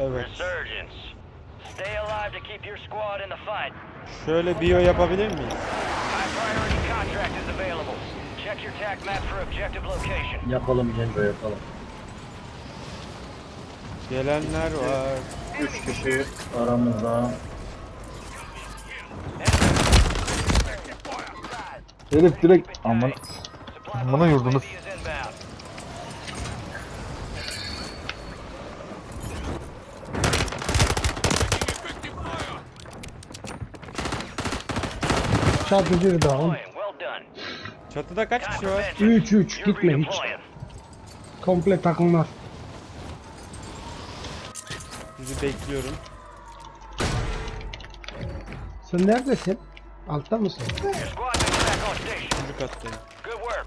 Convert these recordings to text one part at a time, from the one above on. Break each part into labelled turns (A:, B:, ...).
A: Evet.
B: Resurgence. Stay alive to keep your squad in the fight.
A: Şöyle biyo yapabilir miyiz?
B: High priority contract is available. Check your TAC map for objective location.
C: Yapalım Cengo yapalım.
A: Gelenler var.
C: 3 kişi aramızda.
D: Herif direkt amına yurdunuz.
B: UAV is inbound.
E: Çatıcı down.
B: Deploying. Well done.
A: Çatıda kaç kişi var?
E: 3-3
B: You're
E: gitme hiç.
B: redeploying.
E: Komple takımlar.
A: Sizi bekliyorum.
E: Sen neredesin? Altta mısın?
B: Your squad mates back on station.
A: Üçüncü kattayım.
B: Good work.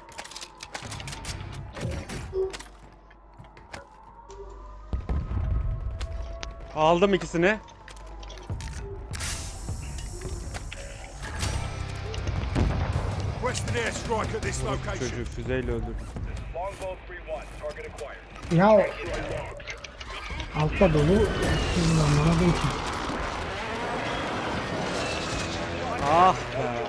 A: Aldım ikisini.
F: Request an airstrike at this location.
A: Çocuğu füzeyle öldürdüm.
F: Longbow 3-1, target acquired.
E: Ya altta dolu. Sizin anlamadın ki.
A: Ah be.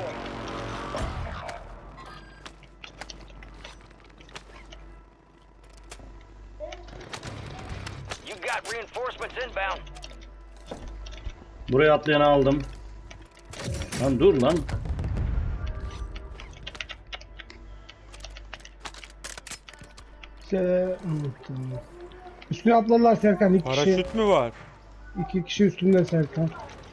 B: You got reinforcements inbound.
C: Buraya atlayanı aldım. Lan dur lan.
E: Unuttum. Üstüne atlarlar Serkan. İki kişi,
A: Paraşüt mü var?
E: iki kişi üstünde Serkan.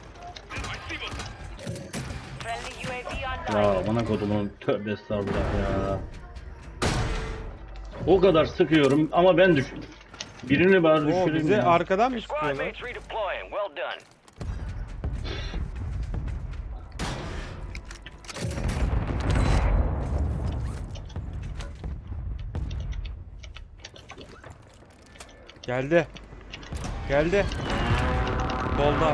B: Friendly UAV online.
C: Ya bana kodumun tövbe estağfurullah ya. O kadar sıkıyorum ama ben düşürdüm. Birini bari
A: Oo,
C: düşüreyim
A: bize
C: ya.
A: arkadan mı
B: Squad
A: sıkıyorlar?
B: mates redeploying. Well done.
A: Geldi. Geldi. Solda.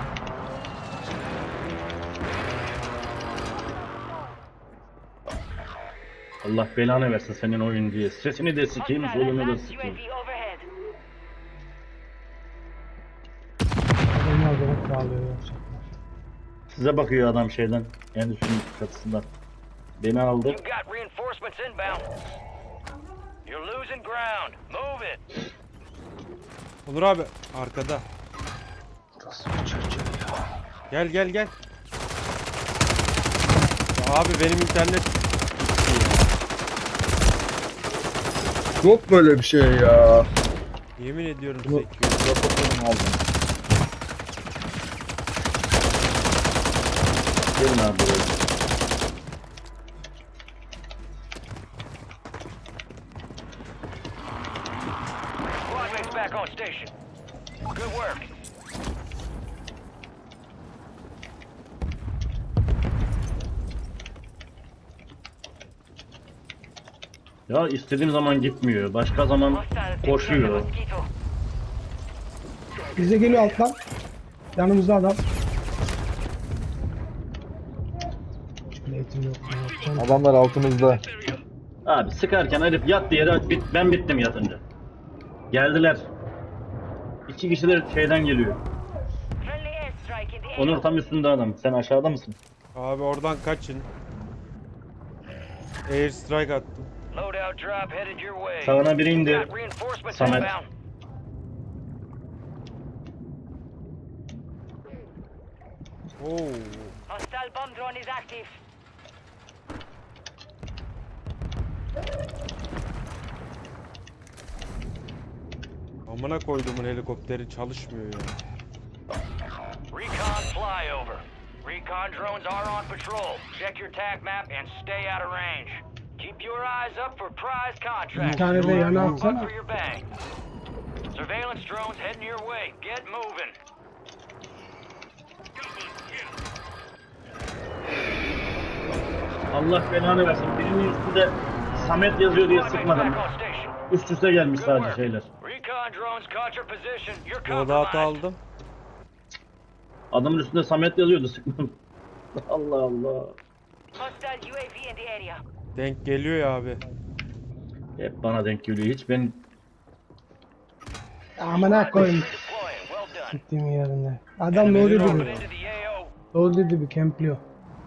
C: Allah belanı versin senin oyun diye. Sesini de sikeyim,
B: Hostile
C: solunu da
B: advanced
C: sikeyim.
B: UAV overhead.
E: Adamlar da bağlıyor.
C: Size bakıyor adam şeyden. Endüstrinin çatısından. Beni aldı.
B: You got reinforcements inbound. You're losing ground. Move it.
A: Onur abi arkada. Gel gel gel. Ya abi benim internet
D: Yok böyle bir şey ya.
A: yemin ediyorum
D: Bunu
A: sekiyor.
D: raporlarını aldım.
C: Gelin abi buraya.
B: Squad mates back on station. Good work.
C: Ya istediğim zaman gitmiyor. Başka zaman
B: Hostiles
C: koşuyor.
B: Mosquito.
E: Bize geliyor alttan. Yanımızda adam. Eğitim yok. Ne yapacağım?
D: Adamlar altımızda.
C: Abi sıkarken herif yat diye ben bittim yatınca. Geldiler. İki kişi de şeyden geliyor.
B: Friendly airstrike in the
C: Onur
B: area.
C: tam üstünde adam. Sen aşağıda mısın?
A: Abi oradan kaçın. Air strike attım.
B: Loadout drop headed your way.
C: Sağına biri indi.
B: Got reinforcements
C: Samet.
B: inbound.
A: Oo.
B: Hostile bomb drone is active.
A: Amına koyduğumun helikopteri çalışmıyor ya.
B: Recon flyover. Recon drones are on patrol. Check your TAC map and stay out of range. Keep your eyes up for prize contracts.
E: Bir tane de yana
B: More
E: atsana.
B: buck for your bang. Surveillance drones heading your way. Get moving.
C: Allah belanı versin. Birinin üstünde Samet yazıyor diye
B: Squad mates
C: sıkmadım.
B: back on station.
C: Üst üste gelmiş
B: Good
C: sadece
B: work.
C: şeyler.
B: Recon drones caught your position. You're
A: Loadout'u
B: compromised.
A: aldım.
C: Adamın üstünde Samet yazıyordu sıkmadım. Allah Allah.
B: Hostile UAV in the area.
A: Denk geliyor ya abi.
C: Hep bana denk geliyor. Hiç ben
E: Amına koyayım. Gittiğim yerinde. Adam
A: Beni
E: low dedi
A: aldı.
E: bir.
B: Into the AO.
E: Low dedi bir kempliyor.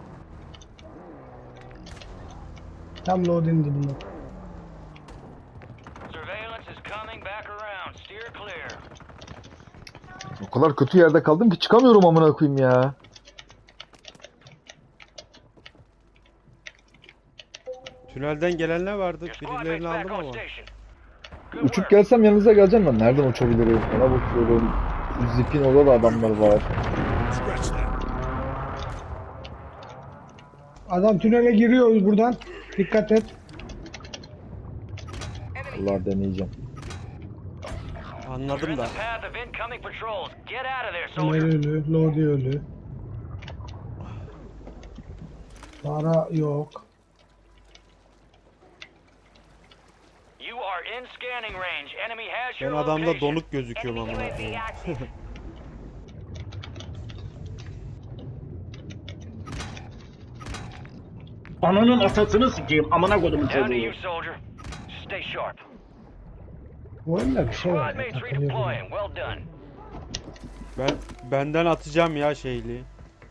E: Tam load'un dibinde.
B: Surveillance is coming back around. Steer clear.
D: O kadar kötü yerde kaldım ki çıkamıyorum amına koyayım ya.
A: Tünelden gelenler vardı.
B: Your squad mates
A: Birilerini
B: back
A: aldım
B: on
A: ama.
B: station. Good
D: Uçup
B: work.
D: gelsem yanınıza geleceğim ben. Nereden uçabilirim? Ona bakıyorum. Şu Zip'in orada da adamlar var.
F: Scratch that.
E: Adam tünele giriyor buradan. Dikkat et.
D: Allah deneyeceğim.
B: You're
A: Anladım
B: in
A: da.
B: the path of incoming patrols. Get out of there,
E: Tünel
B: soldier.
E: ölü. Load'i ölü. Para yok.
B: You are in scanning range. Enemy has
A: Ben
B: your
A: adamda
B: location.
A: donuk gözüküyorum amına koyayım.
C: Ananın atasını sikeyim. Amına kodumun
B: Down to
C: çocuğu.
B: you, soldier. Stay sharp.
E: Bu oyunda bir şey var.
B: Squad
E: ya,
B: mates
E: takılıyor böyle.
B: redeploying. Well done.
A: Benden atacağım ya şeyli.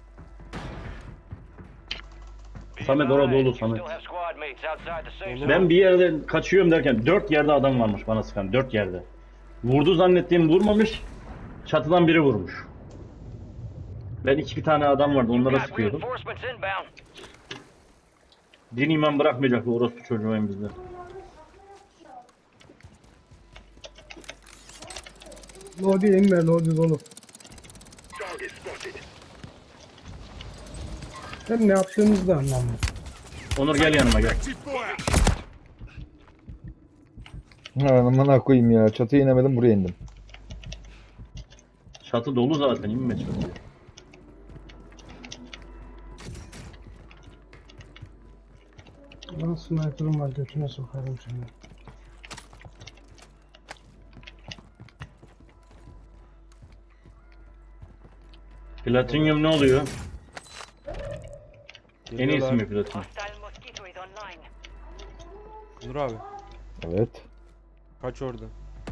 B: Be
C: Samet orada
B: advised,
C: dolu,
B: you
C: Samet.
B: still have squad mates outside the safe
A: Dolu.
B: zone.
C: Ben bir yerde kaçıyorum derken 4 yerde adam varmış bana sıkan. 4 yerde. Vurdu zannettiğim vurmamış. Çatıdan biri vurmuş. Ben 2 tane adam vardı onlara
B: Got
C: sıkıyordum.
B: reinforcements inbound.
C: Din iman bırakmayacak bu orospu çocuğu hem bizde.
E: Load'i inme. Load'i dolu.
F: Target spotted.
E: Sen ne yaptığınızı da anlamıyorum.
C: Onur gel yanıma gel.
F: Active fire.
D: Ha, amına koyayım ya. Çatıya inemedim, buraya indim.
C: Çatı dolu zaten inme çatıya.
E: Lan sniper'ım var, götüne sokarım seni.
C: Platinyum ne oluyor? En iyisi
A: Geliyorlar.
C: mi platinyum?
G: Hostile mosquito is online.
A: Nur abi.
D: Evet.
A: Kaç orada.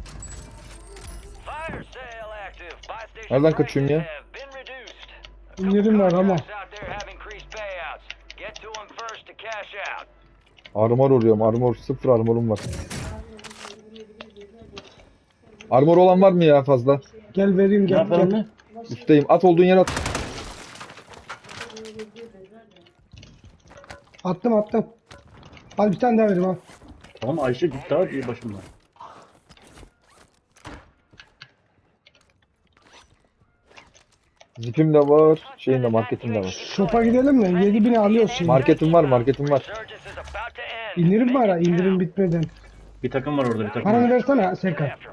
B: Fire sale active. Buy station
D: Nereden kaçıyorsun ya?
B: prices have been reduced.
E: İndirim var ama.
B: Contracts out there have increased payouts. Get to them first to cash out.
D: Armor arıyorum. Armor. Sıfır armorum var. Armor olan var mı ya fazla?
E: Gel vereyim
C: Ne
E: gel
C: yapalım
E: gel.
C: ne?
D: Üstteyim. At olduğun yere at.
E: Attım. Al bir tane daha vereyim al.
C: Tamam Ayşe git daha diye başımdan.
D: Zipim de var. Şeyim de marketim de var.
E: Şopa gidelim mi? 7000'i alıyoruz şimdi.
D: Marketim var. Marketim var.
B: Resurgence is about to end.
E: İndirim var ha,
B: Make it
E: indirim
B: count.
E: bitmeden.
C: Bir takım var orada bir takım
E: Paranı
C: var.
E: versene Serkan.
B: After 'em.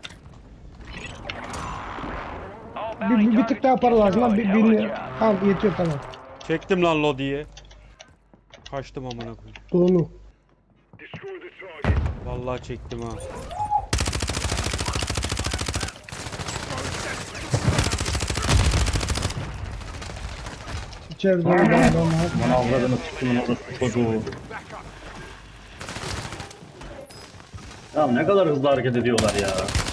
B: All bounty
E: Bir tık daha para lazım lan.
B: targets destroyed. Hell of a job.
E: Al yetiyor tamam.
A: Çektim lan Lodi'yi. Kaçtım amına koyayım.
E: Doğru.
F: Destroy the target.
A: Vallahi çektim ha.
E: İçeride adam var.
C: Bana avradını sıkımın orospu çocuğu. Ya ne kadar hızlı hareket ediyorlar ya.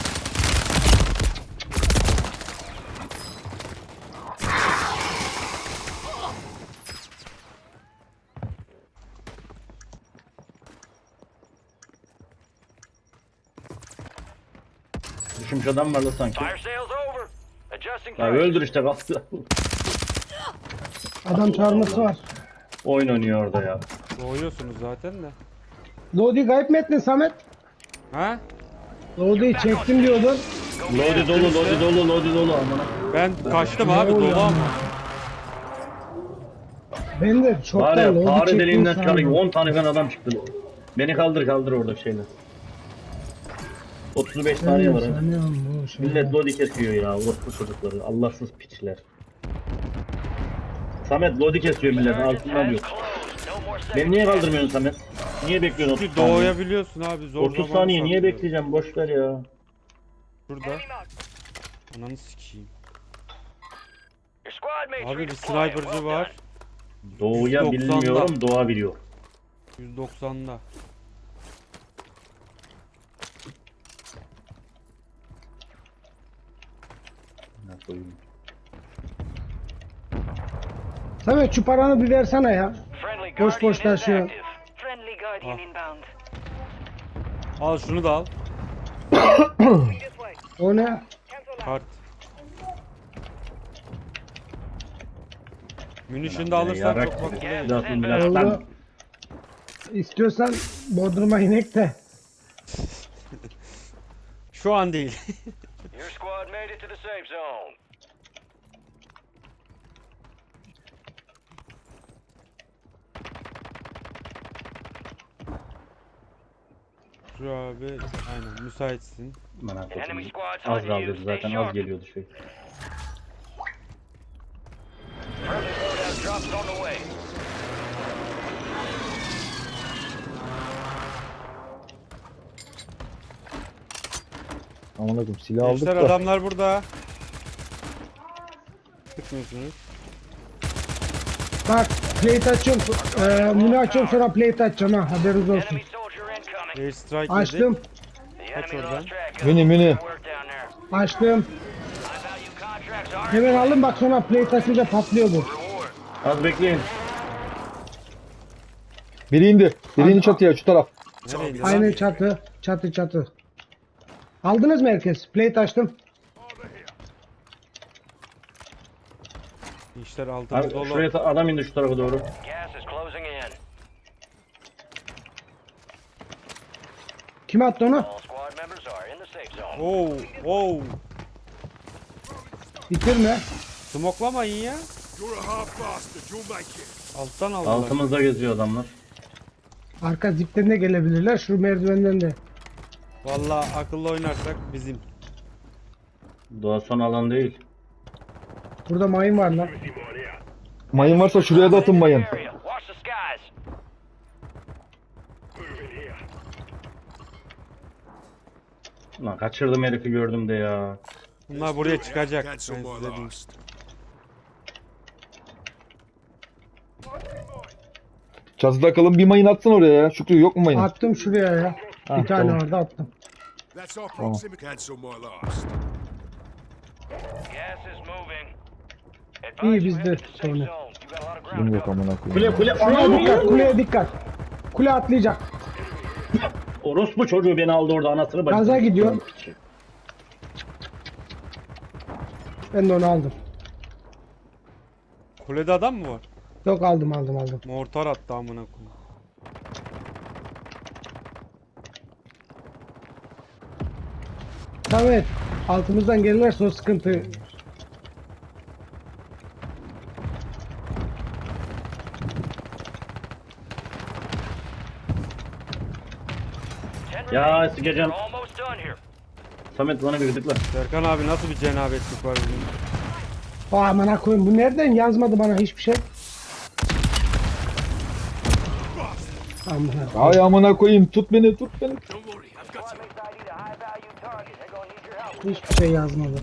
C: Düşmüş adam var da sanki.
B: Fire sale's over. Adjusting
C: Ya
B: prices.
C: öldür işte kalktı.
E: Adam çağırması var.
C: Oyun oynuyor orada ya.
A: Doğuyorsunuz zaten de.
E: Lodi kayıp mı ettin Samet?
A: Ha?
E: Lodi'yi çektim diyordun.
C: Lodi dolu, lodi dolu, lodi dolu amına.
A: Ben kaçtım abi
E: oluyor
A: dolu ama.
E: Ben de
C: Var
E: çoktan
C: ya
E: Lodi
C: fare
E: çektim
C: deliğinden çıkarıyor.
E: sandım.
C: 10 tane falan adam çıktı. Beni kaldır orada şeyler. 35 saniye var. hadi.
E: Sanıyorum bu şey.
C: Millet lodi kesiyor ya. Orospu çocukları. Allahsız piçler. Samet lodi kesiyor millet.
B: Resurgence
C: Altından
B: has
C: diyor.
B: closed. No more
C: Beni niye
B: second
C: kaldırmıyorsun Samet? Niye bekliyorsun 30
A: Çünkü
C: saniye?
A: doğuyabiliyorsun abi zor
C: 30
A: zaman
C: saniye niye
A: sanıyorum.
C: bekleyeceğim? Boş ver ya.
A: Şurada. Ananı sikeyim.
B: Your squad mates
A: Abi bir
B: redeploying.
A: sniper'cı
B: Well
A: var.
B: done.
C: Doğuya
A: 190'da.
C: bilmiyorum, doğa biliyor.
A: 190'da.
C: koyayım.
E: Samet şu paranı bir versene ya.
B: Friendly
E: Boş
B: Guardian
E: boş
B: is
E: taşıyor.
B: active. Friendly Guardian inbound.
A: Al şunu da al.
E: O ne?
A: Kart. Munition da alırsan
C: Yarak
A: çok
C: gibi.
A: makbule gelir.
C: Zaten biraz
E: Oldu.
C: lan.
E: İstiyorsan Bodrum'a inek de.
A: Şu an değil.
B: Your squad made it to the safe zone.
A: Şu abi aynen müsaitsin.
C: Bana
B: Enemy
C: koyayım.
B: squad's
C: Az
B: hunting you.
C: kaldı
B: Stay
C: zaten az
B: sharp.
C: geliyordu şey.
B: Friendly loadout drops on the way.
D: Aman akım silah aldık
A: Gençler
D: da.
A: adamlar burada. Sıkmıyorsunuz.
E: Bak plate açıyorum. Bunu açıyorum sonra plate açacağım ha. Haberiniz olsun.
B: Enemy soldier incoming.
A: Air strike
E: Açtım.
B: The
A: Kaç
B: enemy
A: oradan?
B: lost track of
D: Mini, mini.
B: work down there.
E: Açtım.
B: High value contracts are
E: Hemen alın bak sonra plate açınca patlıyor bu.
B: reward.
C: Az bekleyin.
D: Biri indi. Biri indi çatıya şu taraf.
A: Nereydi lan?
E: Aynen çatı. Çatı çatı. Aldınız mı herkes? Plate açtım.
A: İşler altımız
C: Abi,
A: dolu.
C: şuraya adam indi şu tarafa doğru.
B: Gas is closing in.
E: Kim attı onu?
B: All squad members are in the safe zone.
A: Oo, oo.
E: Bitirme.
A: Smoklamayın ya.
F: You're a hard bastard. You'll make it.
A: Alttan aldılar.
C: Altımızda geziyor adamlar.
E: Arka zipten de gelebilirler. Şu merdivenden de.
A: Vallahi akıllı oynarsak bizim.
C: Doğa son alan değil.
E: Burada mayın var lan.
F: Easy mine here.
D: Mayın varsa şuraya da atın mayın.
B: Area. Watch the skies.
F: Moving here.
C: Lan kaçırdım herifi gördüm de ya.
A: Bunlar buraya çıkacak. Ben
F: Cancel
A: size
F: my
A: diyeyim.
F: last.
D: Çatıda kalın bir mayın atsın oraya ya. Şükrü yok mu mayın?
E: Attım şuraya ya.
D: Ha,
E: Bir tane
D: tamam.
E: orada attım.
F: That's our proximity. Cancel my last.
B: Gas is moving.
E: İyi,
B: Advise you
E: bizde
B: head to the safe
E: sonra.
B: zone. You got a lot of ground
D: Kim yok
B: cover.
D: amına koyayım.
C: Kule kule.
E: Şuraya
C: Anam!
E: dikkat. Kuleye dikkat. Kule atlayacak.
C: Orospu çocuğu beni aldı orada anasını bacısını.
E: Gaza gidiyor. Ben de onu aldım.
A: Kulede adam mı var?
E: Yok aldım aldım aldım.
A: Mortar attı amına koyayım.
E: Samet. Altımızdan gelirlerse o sıkıntı.
B: Ten
C: Ya
B: remaining.
C: sikeceğim.
B: We're almost done here.
C: Samet bana bir gıdıkla.
A: Serkan abi nasıl bir cenabetlik var bizim?
E: Amına koyayım bu nereden yazmadı bana hiçbir şey. Amına.
D: Ay amına koyayım tut beni tut beni.
F: Don't worry. I've got
B: Squad
F: you.
B: mates ID to high value target. They're gonna need your help.
E: Hiçbir şey yazmadı.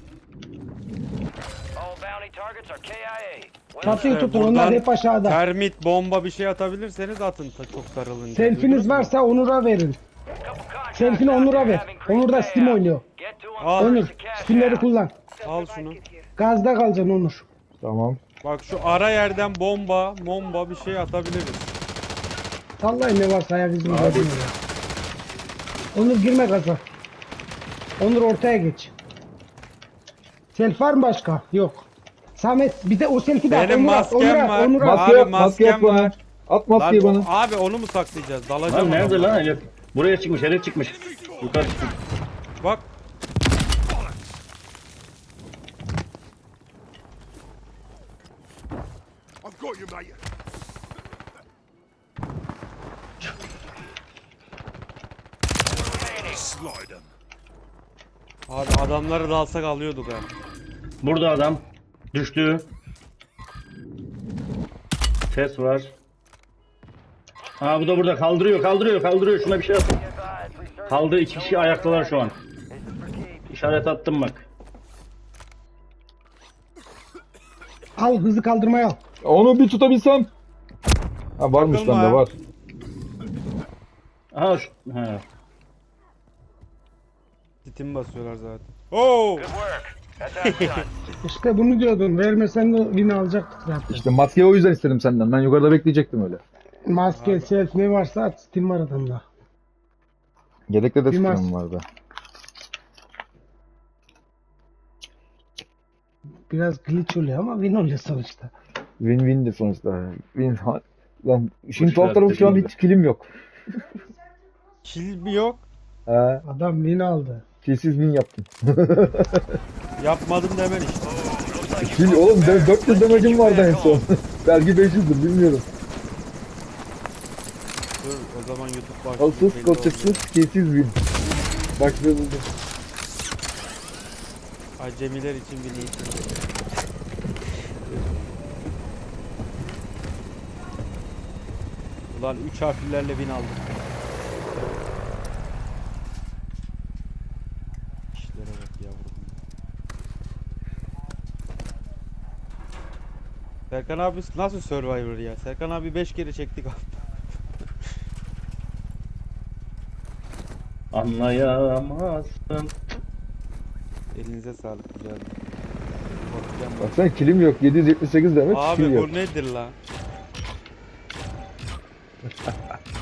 B: All bounty targets are KIA. Well
E: Çatıyı
B: done.
E: tutun onlar hep aşağıda.
A: termit, bomba bir şey atabilirseniz atın çok sarılınca.
E: Selfiniz
A: Duydunuz mu?
E: varsa Onur'a verin.
B: Couple contracts
E: Selfini
B: out
E: Onur'a
B: there
E: ver.
B: have increased
E: Onur da Steam
B: payouts.
E: oynuyor.
B: Get to 'em
A: Al.
B: first
E: Onur
B: to cash
E: Steam'leri
B: out.
E: kullan.
A: Al şunu.
E: Gazda kalacaksın Onur.
D: Tamam.
A: Bak şu ara yerden bomba bir şey atabiliriz.
E: Vallahi ne varsa ayak izini koydum ya. Onur girme gaza. Onur ortaya geç. Selfie var mı başka? Yok. Samet bir de o selfie de at.
A: Benim
E: Onur at,
A: maskem
E: Onur at,
A: var.
E: Onur at.
D: Maske
A: Abi,
D: yap maske yap
A: maskem
D: bana.
A: var.
D: At
A: Lan
D: maskeyi bana.
A: abi onu mu saklayacağız? Dalacağım.
C: Lan nerede
A: adama.
C: lan herif? Buraya çıkmış herif çıkmış. Yukarı çıkmış.
A: Bak
F: I've got you, mate. Slide 'em.
A: abi adamları da alsak alıyorduk ha.
C: Burada adam. Düştü. Ses var. Ha bu da burada kaldırıyor. Şuna bir şey yap.
B: Be advised, resurgence
C: Kaldı 2 kişi ayaktalar şu an.
B: is for keeps.
C: İşaret attım bak.
E: Al hızlı kaldırmaya al.
D: Onu bir tutabilsem. Ha varmış
A: Takılma
D: bende
A: ya.
D: var.
C: Aha şu. He.
A: Titim basıyorlar zaten. Oo!
B: Good work. That's how it's done.
E: İşte bunu diyordum. Vermesen de win alacaktık zaten.
D: İşte maskeyi o yüzden istedim senden. Ben yukarıda bekleyecektim öyle.
E: Maske, self ne varsa at. Steam var adamda.
D: Yedekte de
E: Bir mas-
D: sıkıntım vardı.
E: Biraz glitch oluyor ama win oluyor sonuçta.
D: Win-win'di sonuçta. Lan şimdi
C: Boş
D: tuhaf
C: ver,
D: tarafı şu an
C: dediğim
D: hiç kilim yok.
A: Kill mi yok?
D: He,
E: Adam win aldı.
D: kilsiz win yaptım.
A: Yapmadım demen işte.
B: Looks like
D: Kill
B: you
D: oğlum
B: broke
D: benim
B: the
D: 400
B: barrel. Let's get
D: demecim
B: you
D: vardı en
B: back
D: son.
B: home.
D: Belki 500'dür bilmiyorum.
A: Dur o zaman YouTube başlıyor.
D: Alsız,
A: belli
D: koçsuz,
A: oldu.
D: kilsiz win. Bak ne buldum.
A: Acemiler için bir niyet. Ulan 3 harflerle bin aldım. İşlere bak yavrum. Serkan abi nasıl Survivor ya? Serkan abi 5 kere çektik abi.
C: Anlayamazsın.
A: Elinize sağlık güzel. Bakacağım bak.
D: Baksana kilim yok. 778 demek
A: Abi
D: kill yok.
A: bu nedir lan?